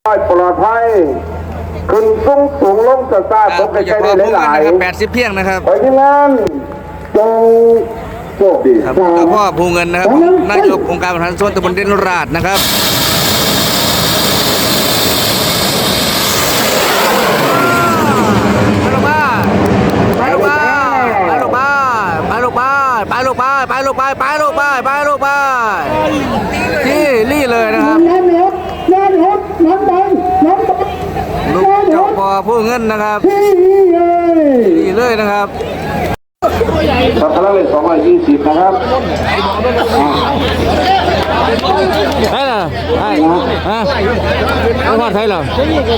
ปลอดภัยขึ้นสูงลงจะทราบตกใกล้ๆได้หลาย 80เพียงนะครับไปที่งานจงโชคดีครับพ่อภูเงินนะครับนายกองค์การบริหารส่วนตำบลเด่นราชนะครับไปที่นี่เลยนะครับลูกเจ้าพ่อผู้เงินนะครับนี่เลยนะครับครับพลังเลข220นะครับใช่เหรอใช่ฮะไม่พอใช่เหรอ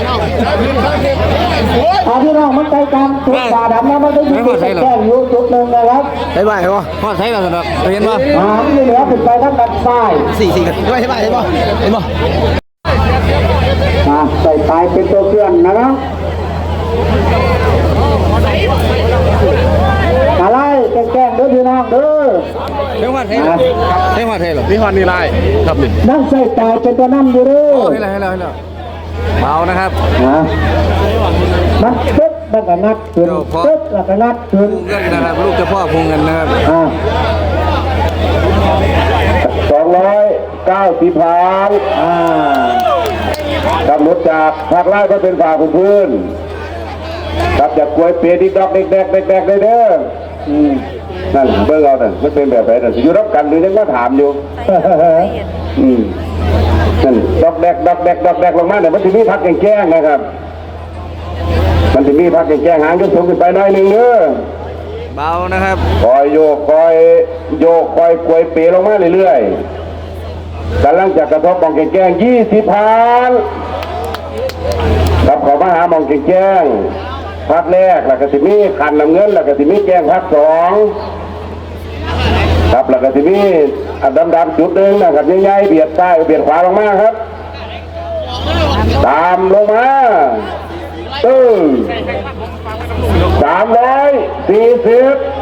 พี่น้องมันใจกันจุดตาดำนะมันได้ยินแจ้งอยู่จุดหนึ่งนะครับใช่ไหมวะพอใช่เหรอสำหรับเห็นป่ะที่เหลือขึ้นไปทั้งด้านซ้าย 4กันใช่ไหมเห็นป่ะใส่ปลายเป็นตัวเคลื่อนนะครับอะไรแกล้งเด้อพี่น้องเด้อใช่ว่าใช่เหรอใช่ว่าใช่เหรอนี่ฮอนนี่ไรครับนี่นั่งใส่ปลายเป็นตัวนั่งอยู่เด้อให้แล้วเบานะครับนัดปึ๊บแล้วก็นัดขึ้นปึ๊บแล้วก็นัดขึ้นเงินนะครับลูกเจ้าพ่อพุงเงินนะครับ 290พันกำหนดจากภาคไร่ก็เป็นฝ่าพื้นครับจากกล้วยเปียดิดอกเด็กเด้อนั่นเบอร์เราเนี่ยมันเป็นแบบไหนน่ะอยู่รับกันหรือยังก็ถามอยู่นั่นดอกแดกลงมาเนี่ยมันจะมีพักแก้งนะครับมันจะมีพักแก้งหางยกสูงขึ้นไปหน่อยหนึ่งเด้อเบานะครับคอยโยกคอยกล้วยเปียลงมาเรื่อยๆกำลังจะกระทบมองแก้ง20พันครับขอมาหามองแก้งพักแรกแล้วก็สิมีขันน้ำเงินแล้วก็สิมีแก้งพัก2ครับแล้วก็สิมีดำจุดหนึ่งนะครับใหญ่ๆเบียดซ้ายเบียดขวาลงมาครับตามลงมา340